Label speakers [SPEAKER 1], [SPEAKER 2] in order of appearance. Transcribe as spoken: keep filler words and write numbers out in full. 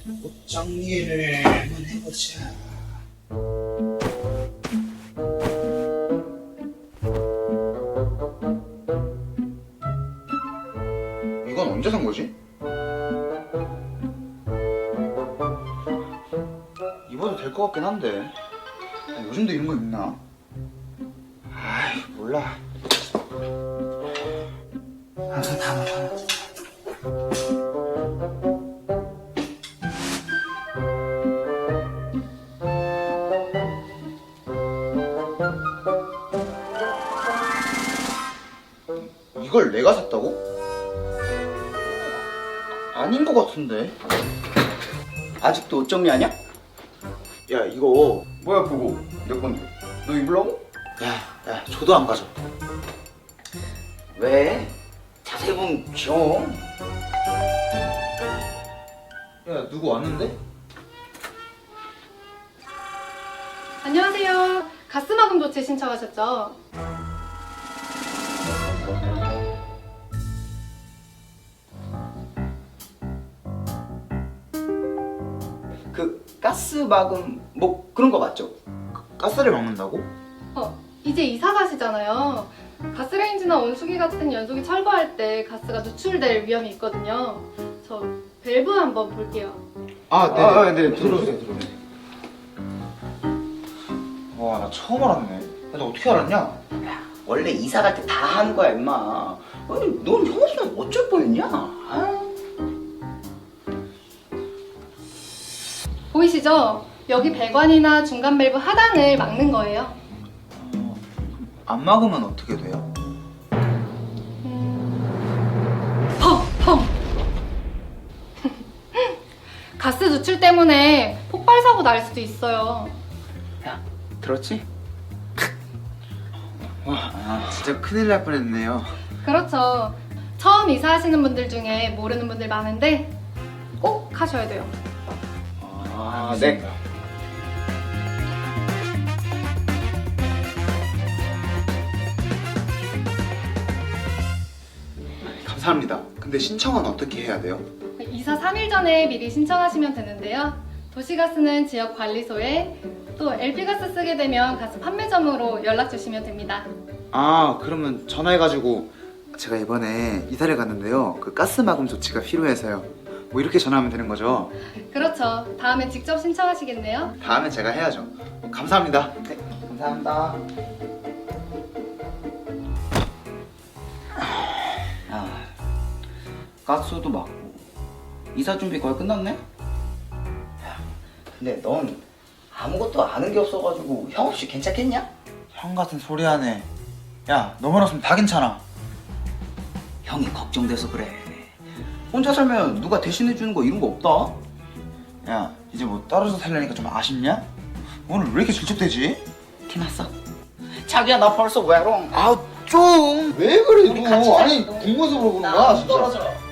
[SPEAKER 1] 옷 정리를 한번 해보자. 이건 언제 산 거지? 입어도 될 것 같긴 한데 요즘도 이런 거 입나? 아이 몰라. 아, 담아 담아. 이걸 내가 샀다고? 아닌 것 같은데.
[SPEAKER 2] 아직도 옷 정리하냐?
[SPEAKER 1] 야 이거 뭐야 그거 내 건데 너 입으려고? 야, 야 저도 안 가져.
[SPEAKER 2] 왜? 자세히 보면 귀여워.
[SPEAKER 1] 야 누구 왔는데?
[SPEAKER 3] 안녕하세요. 가스마금 조치 신청하셨죠?
[SPEAKER 2] 그 가스 마금 뭐 그런 거 맞죠?
[SPEAKER 1] 가스를 막는다고?
[SPEAKER 3] 어, 이제 이사 가시잖아요. 가스레인지나 온수기 같은 연소기 철거할 때 가스가 누출될 위험이 있거든요. 저 밸브 한번 볼게요.
[SPEAKER 1] 아 네.
[SPEAKER 2] 아, 네,
[SPEAKER 1] 들어오세요 들어오세요. 와 나 처음 알았네. 야, 너 어떻게 알았냐?
[SPEAKER 2] 원래 이사 갈 때 다 하는 거야 임마. 아니 넌 형 없으면 어쩔 뻔했냐? 아.
[SPEAKER 3] 보이시죠? 여기 배관이나 중간 밸브 하단을 막는 거예요.
[SPEAKER 1] 어, 안 막으면 어떻게 돼요?
[SPEAKER 3] 음... 펑! 펑! 가스 누출 때문에 폭발 사고 날 수도 있어요.
[SPEAKER 2] 야 들었지?
[SPEAKER 1] 와 아, 진짜 큰일 날 뻔했네요.
[SPEAKER 3] 그렇죠. 처음 이사하시는 분들 중에 모르는 분들 많은데 꼭 하셔야 돼요.
[SPEAKER 2] 아 네.
[SPEAKER 1] 감사합니다. 근데 신청은 어떻게 해야 돼요?
[SPEAKER 3] 이사 삼 일 전에 미리 신청하시면 되는데요. 도시가스는 지역관리소에 또 엘피가스 쓰게 되면 가스 판매점으로 연락 주시면 됩니다.
[SPEAKER 1] 아 그러면 전화해가지고 제가 이번에 이사를 갔는데요 그 가스 마금 조치가 필요해서요 뭐 이렇게 전화하면 되는 거죠?
[SPEAKER 3] 그렇죠. 다음에 직접 신청하시겠네요.
[SPEAKER 1] 다음엔 제가 해야죠. 감사합니다.
[SPEAKER 2] 네 감사합니다. 아 가스도 막고 이사 준비 거의 끝났네? 야, 근데 넌 아무것도 아는 게 없어가지고 형 없이 괜찮겠냐?
[SPEAKER 1] 형 같은 소리 하네. 야 너만 없으면 다 괜찮아.
[SPEAKER 2] 형이 걱정돼서 그래. 혼자 살면 누가 대신해주는 거 이런 거 없다?
[SPEAKER 1] 야 이제 뭐 떨어져 살려니까 좀 아쉽냐? 오늘 왜 이렇게 질척대지?
[SPEAKER 2] 티났어? 자기야 나 벌써 외로워.
[SPEAKER 1] 아 좀 왜 그래
[SPEAKER 2] 우리 같이
[SPEAKER 1] 너.
[SPEAKER 2] 살-
[SPEAKER 1] 아니 궁금해서 물어보는 거야
[SPEAKER 2] 나
[SPEAKER 1] 진짜.
[SPEAKER 2] 떨어져.